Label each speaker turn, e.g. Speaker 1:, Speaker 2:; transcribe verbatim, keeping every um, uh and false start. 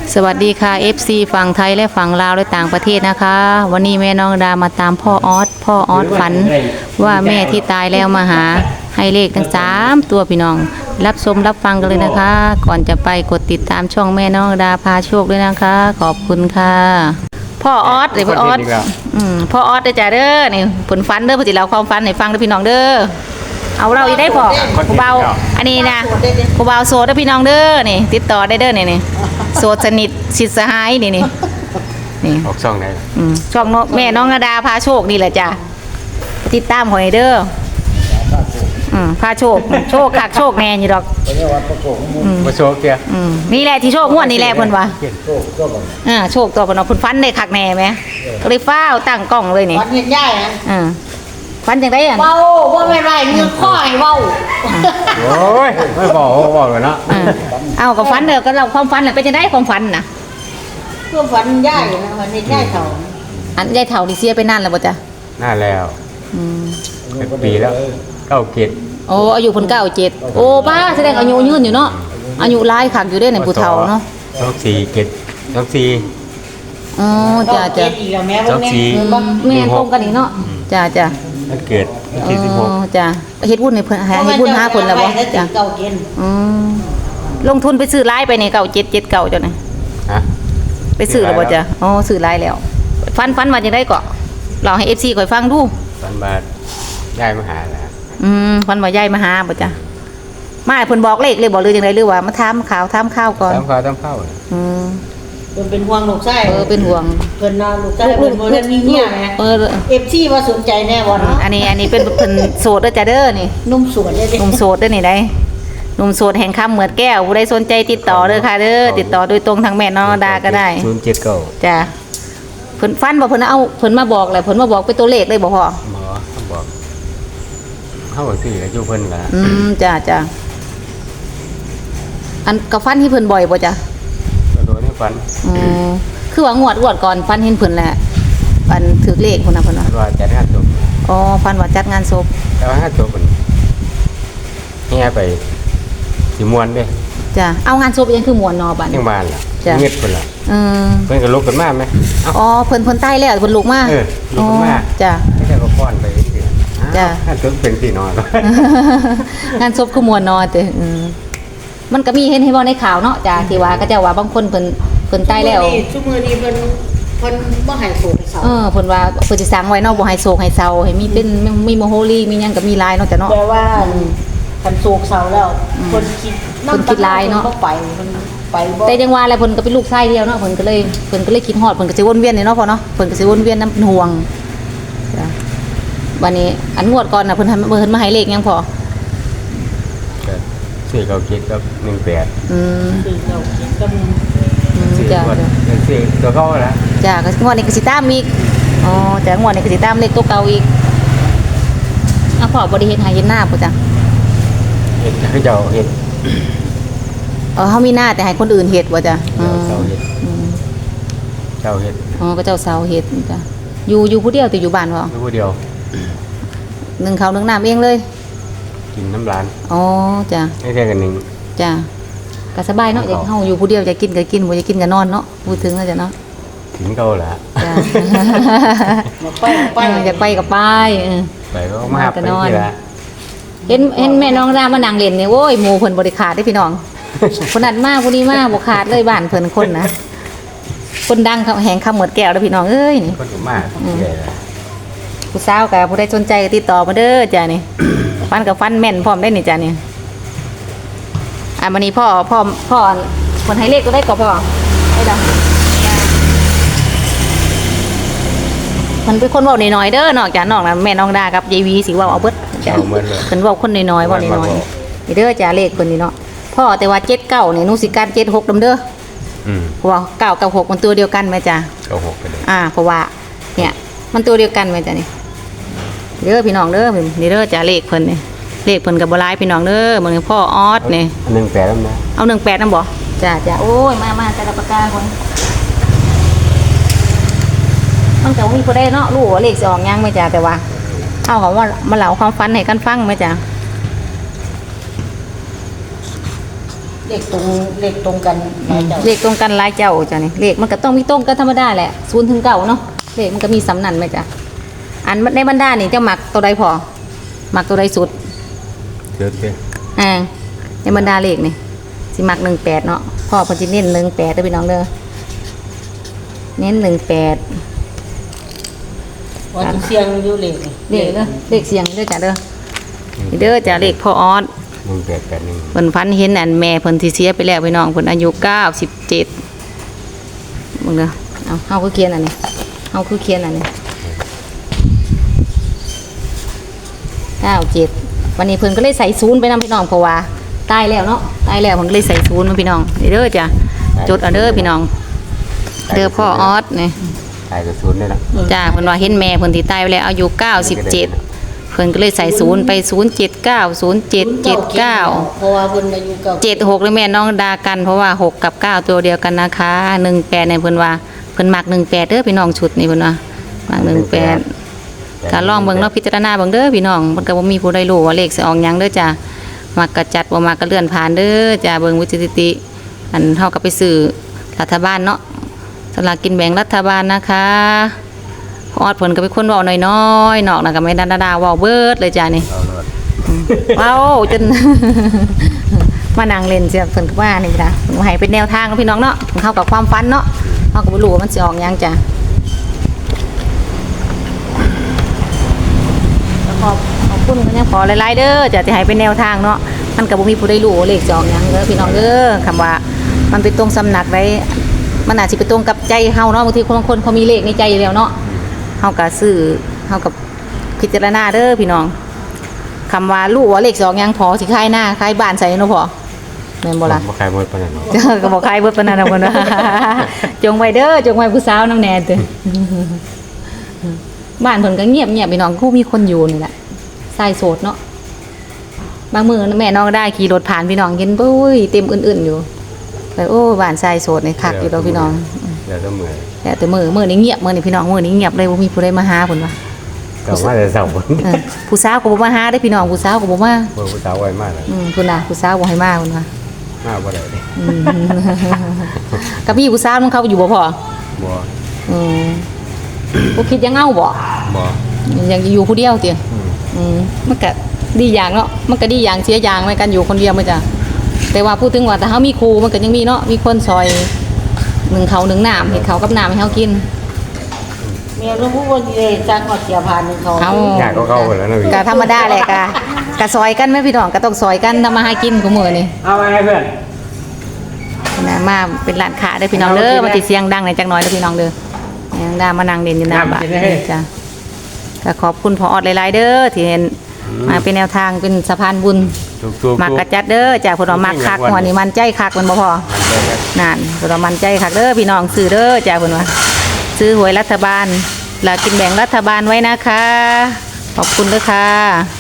Speaker 1: สวัสดีค่ะ เอฟ ซี ฝั่งไทยและฝั่งลาวและต่างประเทศนะคะวันนี้แม่น้องดามาตามพ่อออสพ่อออสฝันว่าแม่ที่ตายแล้วมาหาให้เลขทั้งสามตัวพี่น้องรับชมรับฟังกันเลยนะคะ ก่อนจะไปกดติดตามช่องแม่น้องดาพาโชคด้วยนะคะ ขอบคุณค่ะพ่อออสเลยพ่อออสอืมพ่อออสได้จ้ะเด้อนี่ผลฟันเด้อพอจิเราความฟันให้ฟังเด้อพี่น้องเด้อเอาเราอีกได้พอผู้เบาอันนี้นะผู้เบาโสดเด้อพี่น้องเด้อนี่ติดต่อได้เด้อนี่นี่โสดสนิทชิดสหายนี่นี่นี่
Speaker 2: ออกช่องไหน
Speaker 1: อืมช่องแม่น้องนาดาพาโชคนี่แหละจ้ะติดตามหอยเด้ออืมพาโชคโชคคักโชคแน่อยู่ดอก
Speaker 2: มาโชว์เกียร์
Speaker 1: อืมนี่แหละที่โชคงวดนี่แหละเพิ่นว่าอ่าโชคตัวเพิ่นเนาะเพิ่นฟันได้คักแน่แม่ก็เลยฟ้าวตั้งกล้องเลยนี่
Speaker 3: ฟันเห็นใหญ่นะ
Speaker 1: อ่าฟันจังได๋อ่ะ
Speaker 3: เว้าบ่แม่นไรเงือกข้อให้เว้า
Speaker 2: โอ้ยไม่บอกบอกเลยเนาะ
Speaker 1: เอ้าก็ฟันเด้อก็เราความฟันน่ะเป็นจังได๋ความฟันน่ะ
Speaker 3: เพื่อฟันใหญ่นะฟันเห็นใหญ่เท่า
Speaker 1: อันยายเฒ่านี่เสียไปนานแล้วบ่จ๊ะ
Speaker 2: นานแล้ว
Speaker 1: อืม
Speaker 2: เป็นปีแล้วเก้าเกต
Speaker 1: โอ้อายุเพิ่นเก้าสิบเจ็ดโอ้ป้าแสดงอายุยืนอยู่เนาะอายุหลายคักอยู่เด้ในผู้เฒ่าเนาะ
Speaker 2: สองสี่เกตสองสี่
Speaker 1: อ๋อจ้ะจ้ะ
Speaker 2: สองสี่
Speaker 1: แม่ตรงกันอีกเนาะจ้ะจ้ะ
Speaker 2: มันเกิดที่สิบหก
Speaker 1: จ้ะเฮ็ดบุญให้เพิ่นเฮ็ดบุญหาเพิ่นแล้วบ่จ้ะ
Speaker 3: เก่าเกณฑ์
Speaker 1: อืมลงทุนไปซื้อหลายไปนี่เก้าเจ็ดเจ็ดเก้าจ้ะนี่
Speaker 2: ฮะ
Speaker 1: ไปซื้อแล้วบ่จ้ะอ๋อซื้อหลายแล้วฟันฟันว่าจังได๋ก็เล่าให้ เอฟ ซี ข่อยฟังดู
Speaker 2: ฟันบาทย้ายมาหาแล้ว
Speaker 1: อืมฟันว่ายายมาหาบ่จ้ะมาให้เพิ่นบอกเลขเลยบ่หรือจังได๋หรือว่ามาถามข่าวถามข่าวก่อน
Speaker 2: ถามข่าวถามข่าว
Speaker 1: อืม
Speaker 3: เพิ่นเป็นห่วงลูกชาย
Speaker 1: เออเป็นห่วง
Speaker 3: เพิ่นน่ะลูกชายเพิ่นบ่ได้มีเมียแหม
Speaker 1: เออ
Speaker 3: เอฟ ซี ว่าสนใจแน่บ่เนาะ
Speaker 1: อันนี้อันนี้เป็นเพิ่นโสดเด้อจ้ะเด้อนี่
Speaker 3: นุ่มสวนเด้อ
Speaker 1: หนุ่มโสดเด้อนี่ได้หนุ่มโสดแห่งคำเหมือดแก้วผู้ใดสนใจติดต่อเด้อค่ะเด้อติดต่อโดยตรงทางแม่น้องดาก็ได้
Speaker 2: ศูนย์เจ็ดเก้า
Speaker 1: จ้ะเพิ่นฟันบ่เพิ่นเอาเพิ่นมาบอกแหละเพิ่นมาบอกเป็นตัวเลขเลยบ่พ่อ
Speaker 2: หมอเขาบอกเขาบอกสิอายุเพิ่นล่ะ
Speaker 1: อืมจ้ะจ้ะอันกับฟันที่เพิ่นบ่อยบ่จ้ะ
Speaker 2: ก็โดนให้ฟัน
Speaker 1: อืมคือว่างวดงวดก่อนฟันเห็นเพิ่นแหละฟันถือเลขพุ่นน่ะเพิ่นว่า
Speaker 2: ว่าจัดงานศพ
Speaker 1: อ๋อฟันว่าจัดงานศพ
Speaker 2: แต่ว่างานศพเพิ่นแห่ไปสิม่วนเด้
Speaker 1: จ้ะเอางานศพยังคือม่วนนอบัด
Speaker 2: ยังบ้านล่ะเงียบเพิ่นล่ะ
Speaker 1: เออ
Speaker 2: เพิ่นก็ลุกขึ้นมามั้ย
Speaker 1: อ๋อเพิ่นเพิ่นตายแล้วเพิ่นลุกมา
Speaker 2: เออลุกขึ้นมา
Speaker 1: จ้ะ
Speaker 2: ไม่ได้ก็ป้อนไปสิ
Speaker 1: จ้ะ
Speaker 2: งานศพเป็นสินอน
Speaker 1: งานศพคือม่วนนอติอือมันก็มีเห็นให้บ่ในข่าวเนาะจ้ะที่ว่าก็เจ้าว่าบางคนเพิ่นเพิ่นตายแล้ว
Speaker 3: ซุมื้อนี้เพิ่นเพิ่นบ่ให้โศกให้เศร้า
Speaker 1: เออเพิ่นว่าเพิ่นสิสร้างไว้เนาะบ่ให้โศกให้เศร้าให้มีเป็นมีโมโหลีมีหยังก็มีหลายเนาะจ้ะเนาะ
Speaker 3: แปลว่าคันโศกเศร้าแล้วเพิ่นคิด
Speaker 1: เพิ่นคิดหลายเนาะ
Speaker 3: ไปเพิ่นไปบ่
Speaker 1: แต่จังว่าแล้วเพิ่นก็เป็นลูกชายเดียวเนาะเพิ่นก็เลยเพิ่นก็เลยคิดฮอดเพิ่นก็สิวนเวียนนี่เนาะพ่อเนาะเพิ่นก็สิวนเวียนนำห่วงจ้ะวันนี้อันงวดก่อนน่ะเพิ่นให้เพิ่นมาให้เลขยังพอ
Speaker 2: สี่เก้าเจ็ดกับหนึ่งแปด
Speaker 1: อืม
Speaker 3: สี่เก้าเจ็ดกับ
Speaker 1: จ้ะ
Speaker 2: สี่ตัวเก่าแล้ว
Speaker 1: จ้ะก็งวดนี้ก็สิตามอีกอ๋อแต่งวดนี้ก็สิตามเลขตัวเก่าอีกอ่ะพ่อบ่ได้เฮ็ดให้เฮ็ดหน้าบ่จ้ะ
Speaker 2: เฮ็ดคือเจ้าเฮ็ด
Speaker 1: เออเฮามีหน้าแต่ให้คนอื่นเฮ็ดบ่จ้ะ
Speaker 2: เจ้าเฮ็ดเจ้าเฮ็ด
Speaker 1: อ๋อก็เจ้าสาวเฮ็ดจ้ะอยู่อยู่ผู้เดียวแต่อยู่บ้านบ่
Speaker 2: อยู่ผู้เดียว
Speaker 1: นึ่งข้าวนึ่งน้ำเองเลย
Speaker 2: กินน้ำร้าน
Speaker 1: อ๋อจ้ะ
Speaker 2: ไม่ใช่กันหนึ่ง
Speaker 1: จ้ะก็สบายเนาะอยากเฮาอยู่ผู้เดียวจะกินก็กินบ่จะกินก็นอนเนาะพูดถึงแล้วจ้ะเนาะ
Speaker 2: ถึงเก่าแหละ
Speaker 1: จ้ะ
Speaker 3: ไปไป
Speaker 1: อยากไปก็ไปเออ
Speaker 2: ไปก็มาไปที่ละ
Speaker 1: เห็นเห็นแม่น้องดามานั่งเล่นนี่โอ้ยหมู่เพิ่นบ่ได้ขาดเด้พี่น้องคนนั้นมาผู้นี้มาบ่ขาดเลยบ้านเพิ่นคนนะคนดังแห่งคำเหมือดแก้วเด้อพี่น้องเอ้ยนี่
Speaker 2: คนมากใหญ่ละ
Speaker 1: ผู้สาวก็ผู้ใดสนใจก็ติดต่อมาเด้อจ้ะนี่ฟันกับฟันแม่นพร้อมได้นี่จ้ะนี่อ่ะวันนี้พ่อพ่อพ่อคนให้เลขก็ได้ก็พ่อได้ดอกมันเป็นคนเว้าน้อยๆเด้อนอกจากน้องนะแม่น้องดากับยายวีสิเว้าเอาเบิดจ้ะเพิ่นเว้าคนน้อยๆเว้าน้อยๆนี่เด้อจ้ะเลขเพิ่นนี่เนาะพ่อแต่ว่าเจ็ดเก้านี่หนูสิการเจ็ดหกนำเด้ออืมเพราะว่าเก้ากับหกมันตัวเดียวกันแม่จ้ะ
Speaker 2: เก้าหกไปเลย
Speaker 1: อ่าเพราะว่าเนี่ยมันตัวเดียวกันแม่จ้ะนี่เด้อพี่น้องเด้อนี่เด้อจ้ะเลขเพิ่นนี่เลขเพิ่นก็บ่หลายพี่น้องเด้อมื้อนี้พ่อออสนี่
Speaker 2: หนึ่งแปดนำนะ
Speaker 1: เอาหนึ่งแปดนำบ่จ้ะจ้ะโอ้ยมาๆแต่ละปากกาคนมันก็มีผู้ใดเนาะรู้ว่าเลขสิออกยังแม่จ้ะแต่ว่าเอาของว่ามาเล่าความฝันให้กันฟังแม่จ้ะ
Speaker 3: เลขตรงเลขตรงกันหลายเจ้า
Speaker 1: เลขตรงกันหลายเจ้าจ้ะนี่เลขมันก็ต้องมีตรงกันธรรมดาแหละศูนย์ถึงเก้าเนาะเลขมันก็มีสำนันไหมจ้ะอันในบรรดานี่เจ้าหมักตัวใดพอหมักตัวใดสุด
Speaker 2: เดี๋ยวเดี๋ยว
Speaker 1: อ่าในบรรดาเลขนี่สิหมักหนึ่งแปดเนาะพ่อเพอจะเน้นหนึ่งแปดเด้อพี่น้องเด้อเน้นหนึ่งแปด
Speaker 3: ว่าจะเสียงอยู่เลขนี่
Speaker 1: เลขเด้อเลขเสียงเด้อจ้ะเด้อนี่เด้อจ้ะเลขพ่อออส
Speaker 2: หนึ่งแปดแปดหนึ่ง
Speaker 1: เพิ่นฝันเห็นอันแม่เพิ่นที่เสียไปแล้วพี่น้องเพิ่นอายุเก้าสิบเจ็ดมึงเด้อเอาเฮาคือเขียนอันนี้เฮาคือเขียนอันนี้เก้าเจ็ดวันนี้เพิ่นก็เลยใส่ศูนย์ไปนำพี่น้องเพราะว่าตายแล้วเนาะตายแล้วเพิ่นก็เลยใส่ศูนย์มาพี่น้องนี่เด้อจ้ะจดเอาเด้อพี่น้องเด้อพ่อออสนี่
Speaker 2: ตายกับศูนย์นี่แหละ
Speaker 1: จ้าเพิ่นว่าเห็นแม่เพิ่นที่ตายไปแล้วอายุเก้าสิบเจ็ดเพิ่นก็เลยใส่ศูนย์ไปศูนย์เจ็ดเก้าศูนย์เจ็ดเจ็ดเก้า
Speaker 3: เพราะว่าเพิ่นอายุเก่า
Speaker 1: เจ็ดหกเลยแม่น้องดากันเพราะว่าหกกับเก้าตัวเดียวกันนะคะหนึ่งแปดเนี่ยเพิ่นว่าเพิ่นมักหนึ่งแปดเด้อพี่น้องชุดนี่เพิ่นว่ามักหนึ่งแปดก็ลองเบิ่งเนาะพิจารณาเบิ่งเด้อพี่น้องมันก็บ่มีผู้ใดรู้ว่าเลขสิออกหยังเด้อจ้ะมักก็จัดบ่มักก็เลื่อนผ่านเด้อจ้ะเบิ่งวิจิตรอันเฮาก็ไปซื้อรัฐบาลเนาะสลากกินแบ่งรัฐบาลนะคะพออดเพิ่นก็เป็นคนเว้าน้อยๆนอกน่ะก็ไม่ดาดาๆเว้าเบิดเลยจ้ะนี่
Speaker 2: เอาเลย
Speaker 1: เว้าจน มานั่งเล่นเสียเพิ่นก็ว่านี่จ้ะเพิ่นให้เป็นแนวทางกับพี่น้องเนาะเข้ากับความฝันเนาะเฮาก็บ่รู้ว่ามันสิออกหยังจ้ะแล้วขอบขอบคุณเพิ่นยังขอหลายๆเด้อจ้ะที่ให้เป็นแนวทางเนาะมันก็บ่มีผู้ใดรู้ว่าเลขสิออกหยังเด้อพี่น้องเด้อคำว่ามันไปตรงสำนักไดมันอาจสิไปตรงกับใจเฮาเนาะบางทีคนบางคนเขามีเลขในใจอยู่แล้วเนาะเฮาก็ซื้อเฮากับพิจารณาเด้อพี่น้องคำว่าลูกว่าเลขสองยังพอสิคายหน้าคายบ้านใส่เนาะพอแม่นบ่ล่ะ
Speaker 2: บ่ใครหมดปานนั้น
Speaker 1: เจ้าก็บอกคายเบิดปานนั้นเอาคนว่า จงไว้เด้อจงไว้ผู้สาวน้ำแน่เด้อ บ้านเพิ่นก็เงียบเงียบพี่น้องคู่มีคนอยู่นี่แหละใส่โสดเนาะบางมื้อแม่น้องได้ขี่รถผ่านพี่น้องเห็นปุ้ยเต็มอื่นๆอยู่ไปโอ้บ้านใส่โสดนี่คักอยู่ดอกพี่น้อง
Speaker 2: เดี๋ยวต้องมือ
Speaker 1: แต่แต่มื้อมื้อนี้เงียบมื้อนี้พี่น้องมื้อนี้เงียบเลยบ่มีผู้ใดมาหาเพิ่นว่า
Speaker 2: ก็มาแต่เช้าพุ่น
Speaker 1: เออผู้สาวก็บ่มาหาได้อพี่น้องผู้สาวก็บ่มา
Speaker 2: เพิ่นผู้สาวไว้มากเลย
Speaker 1: อืมพุ่นน่ะผู้สาวบ่ให้มาพุ่นว่า
Speaker 2: มาบ่ได้เลย
Speaker 1: อืม กับพี่ผู้สาวมันเขาอยู่บ่พอ
Speaker 2: บ่
Speaker 1: อืมบ่คิดยังเอาบ่
Speaker 2: บ่
Speaker 1: ยังอยู่ผู้เดียวติ
Speaker 2: อืม
Speaker 1: อืมมันก็ดีอย่างเนาะมันก็ดีอย่างเสียอย่างในการอยู่คนเดียวมันจ้ะแต่ว่าพูดถึงว่าแต่เฮามีครูมันก็ยังมีเนาะมีคนซอยหนึ่งเขาวหนึ่งน้ำเฮ็ดข้าวกับน้ำให้เฮากิน
Speaker 3: เมียรู้ว่าสิได้จ้างฮอดเสียผ่านนึงเขา
Speaker 1: เอา
Speaker 2: อยากก็เข้าไปแล้วนะพี่
Speaker 1: ก็ธรรมดาแหละกะกะซอยกันไหมพี่น้องก็ต้องซอยกันทำมาหากินกูมื้อนี่
Speaker 2: เอาไงเพื่อน
Speaker 1: นะมาเป็นร้านค้าเด้อพี่น้องเด้อมาติเสียงดังหน่อยจักหน่อยเด้อพี่น้องเด้อยังดามานั่งเล่นอยู่หน้าบ้านจ้ะก็ขอบคุณพอออดหลายๆเด้อที่เห็นมาเป็นแนวทางเป็นสะพานบุญ
Speaker 2: ถูกๆ
Speaker 1: มักกระจัดเด้อจากพวกเรามักคักหัวนี่มันใจคักมันบ่พอนั่นพวกเรามันใจคักเด้อพี่น้องซื้อเด้อจากเพิ่นว่าซื้อหวยรัฐบาลแล้วกินแบ่งรัฐบาลไว้นะคะ ขอบคุณเด้อค่ะ